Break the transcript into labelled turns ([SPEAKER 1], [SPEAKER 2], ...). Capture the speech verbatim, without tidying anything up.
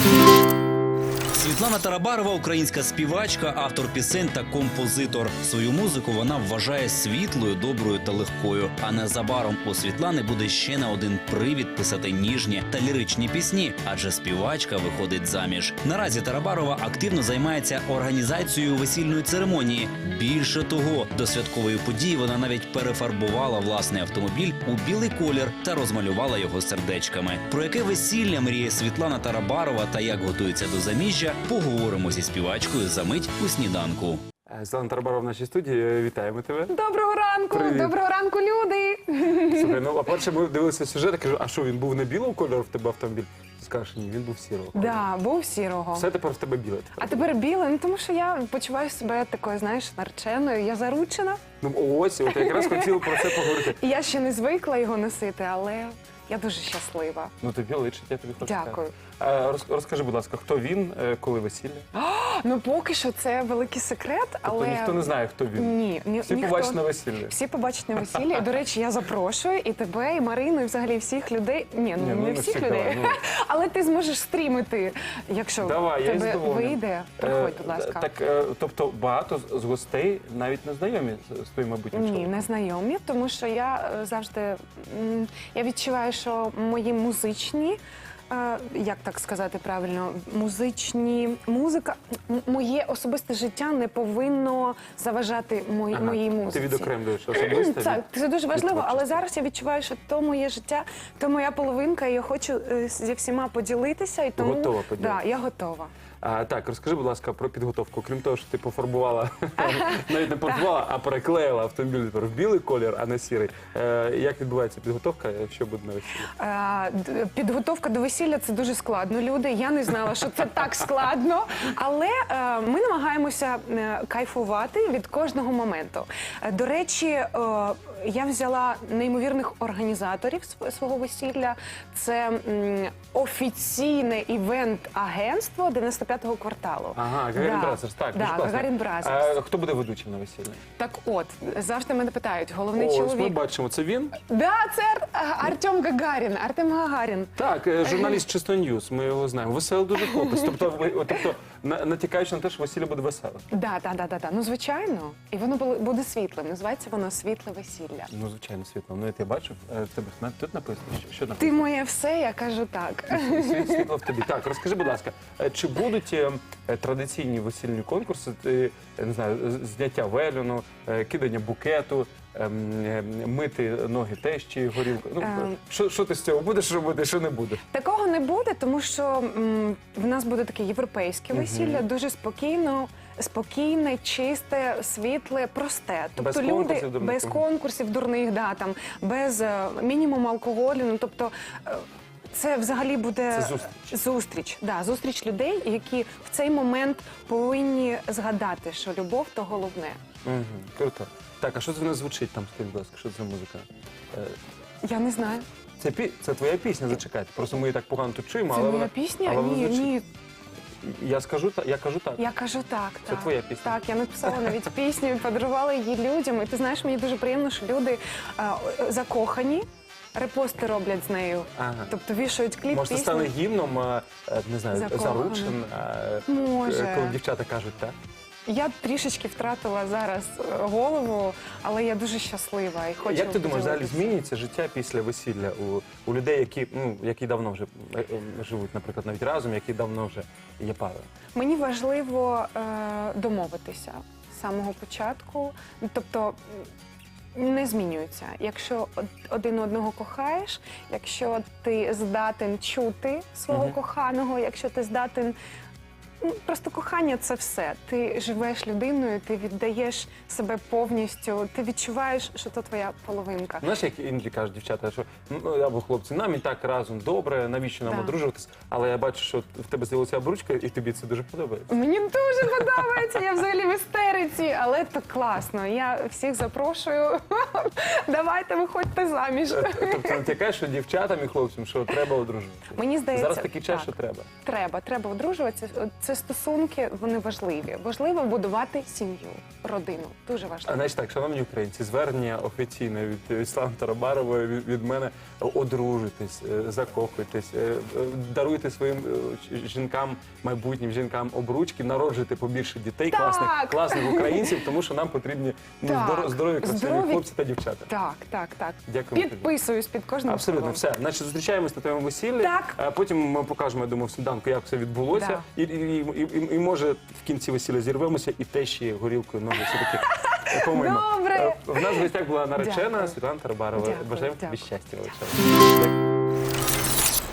[SPEAKER 1] Світлана Тарабарова – українська співачка, автор пісень та композитор. Свою музику вона вважає світлою, доброю та легкою. А незабаром у Світлани буде ще не один привід писати ніжні та ліричні пісні, адже співачка виходить заміж. Наразі Тарабарова активно займається організацією весільної церемонії. Більше того, до святкової події вона навіть перефарбувала власний автомобіль у білий колір та розмалювала його сердечками. Про яке весілля мріє Світлана Тарабарова та як готується до заміжжя, поговоримо зі співачкою за мить у сніданку.
[SPEAKER 2] Світлана Тарабарова в нашій студії. Вітаємо тебе.
[SPEAKER 3] Доброго ранку!
[SPEAKER 2] Привіт.
[SPEAKER 3] Доброго ранку, люди!
[SPEAKER 2] Слухай, ну, а перше ми дивилися сюжет, я кажу, а що, він був не білого кольору в тебе автомобіль? Ти скажеш, ні, він був сірого кольору.
[SPEAKER 3] Да, був сірого.
[SPEAKER 2] Все тепер в тебе біле.
[SPEAKER 3] А тепер біле, ну тому що я почуваю себе такою, знаєш, нареченою. Я заручена.
[SPEAKER 2] Ну ось, от я якраз хотів про це поговорити.
[SPEAKER 3] І я ще не звикла його носити, але я дуже щаслива.
[SPEAKER 2] Ну тобі личить, я тобі хочу
[SPEAKER 3] Дякую.
[SPEAKER 2] сказати. А, роз- розкажи, будь ласка, хто він, е, коли весілля?
[SPEAKER 3] Ну поки що це великий секрет, але...
[SPEAKER 2] Тобто ніхто не знає, хто він?
[SPEAKER 3] Ні, ні,
[SPEAKER 2] Всі
[SPEAKER 3] ніхто.
[SPEAKER 2] побачать на весіллі.
[SPEAKER 3] Всі побачать на весіллі. І, до речі, я запрошую і тебе, і Марину, і взагалі всіх людей. Ні, ну
[SPEAKER 2] Ні, ну,
[SPEAKER 3] не
[SPEAKER 2] не
[SPEAKER 3] всіх
[SPEAKER 2] всіх,
[SPEAKER 3] людей.
[SPEAKER 2] давай, ну.
[SPEAKER 3] Але ти зможеш стрімити, якщо
[SPEAKER 2] Давай,
[SPEAKER 3] в
[SPEAKER 2] я із
[SPEAKER 3] тебе
[SPEAKER 2] задоволенням.
[SPEAKER 3] вийде. Приходь,
[SPEAKER 2] Е,
[SPEAKER 3] будь ласка.
[SPEAKER 2] Так, е, тобто багато з- з гостей навіть не знайомі з з твоїм майбутнім
[SPEAKER 3] Ні,
[SPEAKER 2] чоловіком?
[SPEAKER 3] не знайомі, тому що я е, завжди м, я відчуваю, що мої музичні, е, як так сказати правильно, музичні музика, м- моє особисте життя не повинно заважати мої,
[SPEAKER 2] Ага,
[SPEAKER 3] моїй музиці.
[SPEAKER 2] Ти відокремлюєш особисто?
[SPEAKER 3] Це,
[SPEAKER 2] від-
[SPEAKER 3] це дуже
[SPEAKER 2] від
[SPEAKER 3] важливо, але
[SPEAKER 2] творчості.
[SPEAKER 3] зараз я відчуваю, що то моє життя, то моя половинка, і я хочу е, зі всіма поділитися. І тому,
[SPEAKER 2] Готова поділитися?
[SPEAKER 3] Да, я готова.
[SPEAKER 2] А, так, розкажи, будь ласка, про підготовку. Крім того, що ти пофарбувала, навіть не пофарбувала, а переклеїла автомобіль тепер в білий колір, а не сірий. Е, як відбувається підготовка, що буде на весіллі?
[SPEAKER 3] Е, д- Підготовка до весілля – це дуже складно, люди. Я не знала, що це так складно. Але е, ми намагаємося е, кайфувати від кожного моменту. Е, До речі, е, я взяла неймовірних організаторів св- свого весілля. Це м, офіційне івент-агентство дев'яносто п'ятого кварталу.
[SPEAKER 2] Ага, Гагарін
[SPEAKER 3] Да.
[SPEAKER 2] Бразерс, так,
[SPEAKER 3] Да,
[SPEAKER 2] дуже класно.
[SPEAKER 3] Гагарін Бразерс.
[SPEAKER 2] А, хто буде ведучим на весіллі?
[SPEAKER 3] Так от, завжди мене питають, головний
[SPEAKER 2] Ось, ми
[SPEAKER 3] чоловік.
[SPEAKER 2] бачимо, це він?
[SPEAKER 3] Да, це Ар- Артем Гагарін, Артем Гагарін.
[SPEAKER 2] Так, е, журналіст Чисто Ньюс, ми його знаємо. Веселий дуже хлопець. Тобто, ви- о, тобто на- натякаючи на те, що весілля буде веселе.
[SPEAKER 3] Да, да, да, да, да. Ну звичайно. І воно було- буде світлим. Називається воно світле весілля.
[SPEAKER 2] Ну, звичайно, світло. Ну, я тебе бачив, е, в тебе на- тут написано, що, що
[SPEAKER 3] Ти
[SPEAKER 2] написано?
[SPEAKER 3] моє все, я кажу так.
[SPEAKER 2] Світ- Світло в тобі. Так, розкажи, будь ласка, е, чи будуть е, е, традиційні весільні конкурси, е, я не знаю, з- зняття вельону, е, кидання букету, ем, е, мити ноги тещі, горілку? Ну,
[SPEAKER 3] Ем.
[SPEAKER 2] що, що ти з цього будеш робити, що не будеш?
[SPEAKER 3] Такого не буде, тому що м, в нас буде таке європейське весілля, дуже спокійно. Спокійне, чисте, світле, просте. Тобто
[SPEAKER 2] Без
[SPEAKER 3] люди
[SPEAKER 2] конкурсів дурних.
[SPEAKER 3] без конкурсів дурних, да, там, без е, мінімуму алкоголю. Ну, тобто, е, це взагалі буде
[SPEAKER 2] Це зустріч.
[SPEAKER 3] зустріч, да, зустріч людей, які в цей момент повинні згадати, що любов то головне.
[SPEAKER 2] Угу, круто. Так, а що це в нас звучить там, скажіть, будь ласка, що це за музика? Е,
[SPEAKER 3] Я не знаю.
[SPEAKER 2] Це, пі... це твоя пісня, зачекайте. Просто ми її так погано тут чуємо,
[SPEAKER 3] Це
[SPEAKER 2] але
[SPEAKER 3] моя
[SPEAKER 2] вона...
[SPEAKER 3] пісня?
[SPEAKER 2] але вона
[SPEAKER 3] Ні,
[SPEAKER 2] звучить.
[SPEAKER 3] ні.
[SPEAKER 2] Я скажу, та... я кажу так.
[SPEAKER 3] Я кажу так.
[SPEAKER 2] Це
[SPEAKER 3] так.
[SPEAKER 2] твоя пісня?
[SPEAKER 3] Так, я написала навіть пісню і подарувала її людям. І ти знаєш, мені дуже приємно, що люди а, закохані, репости роблять з нею.
[SPEAKER 2] Ага.
[SPEAKER 3] Тобто вішають кліп,
[SPEAKER 2] Може, це
[SPEAKER 3] пісню.
[SPEAKER 2] стане гімном, е, е, не знаю,
[SPEAKER 3] Закоханим.
[SPEAKER 2] заручин, е,
[SPEAKER 3] Може.
[SPEAKER 2] е, коли дівчата кажуть так.
[SPEAKER 3] Я трішечки втратила зараз е, голову, але я дуже щаслива і хочу
[SPEAKER 2] Як ти думаєш, взагалі
[SPEAKER 3] поділитися.
[SPEAKER 2] змінюється життя після весілля у, у людей, які, ну, які давно вже е, е, живуть, наприклад, навіть разом, які давно вже є парою?
[SPEAKER 3] Мені важливо е, домовитися з самого початку. Тобто м, не змінюється. Якщо од- один одного кохаєш, якщо ти здатен чути свого
[SPEAKER 2] Мгм.
[SPEAKER 3] коханого, якщо ти здатен. Ну, просто кохання – це все. Ти живеш людиною, ти віддаєш себе повністю, ти відчуваєш, що то твоя половинка.
[SPEAKER 2] Знаєш, як іноді кажуть дівчата, що ну або хлопці, нам і так разом добре, навіщо нам
[SPEAKER 3] Так.
[SPEAKER 2] одружуватись? Але я бачу, що в тебе з'явилася обручка, і тобі це дуже подобається.
[SPEAKER 3] Мені дуже подобається, я взагалі в істериці, але це класно. Я всіх запрошую. Давайте, виходьте заміж.
[SPEAKER 2] Тобто натякаєш, що дівчатам і хлопцям, що треба одружуватися.
[SPEAKER 3] Мені здається,
[SPEAKER 2] Зараз такий час,
[SPEAKER 3] так.
[SPEAKER 2] що треба.
[SPEAKER 3] Треба, треба одружуватися. це стосунки, вони важливі. Важливо будувати сім'ю, родину. Дуже
[SPEAKER 2] А
[SPEAKER 3] важливо.
[SPEAKER 2] значить так, шановні українці, звернення офіційне від Світлани Тарабарової, від, від мене: одружуйтесь, е, закохуйтесь, е, е, даруйте своїм е, жінкам, майбутнім жінкам обручки, народжуйте побільше дітей,
[SPEAKER 3] Так.
[SPEAKER 2] класних, класних українців, тому що нам потрібні ну,
[SPEAKER 3] Так.
[SPEAKER 2] здоро- здорові, красиві
[SPEAKER 3] Здорові-
[SPEAKER 2] хлопці та дівчата.
[SPEAKER 3] Так, так, так.
[SPEAKER 2] Дякую тобі.
[SPEAKER 3] Підписуюсь під кожним
[SPEAKER 2] Абсолютно,
[SPEAKER 3] словом.
[SPEAKER 2] все. Значить, зустрічаємось на твоєму весіллі.
[SPEAKER 3] Так.
[SPEAKER 2] А потім ми покажемо, я думаю, в сніданку, як все відбулося.
[SPEAKER 3] Да.
[SPEAKER 2] І, і, і, і, і може в кінці весілля зірвемося і тещі горілкою ноги все-таки помимо.
[SPEAKER 3] Добре.
[SPEAKER 2] В нас в гостях була наречена
[SPEAKER 3] Дякую.
[SPEAKER 2] Світлана Тарабарова.
[SPEAKER 3] Дякую,
[SPEAKER 2] Бажаємо тобі
[SPEAKER 3] дякую.
[SPEAKER 2] щастя величезного.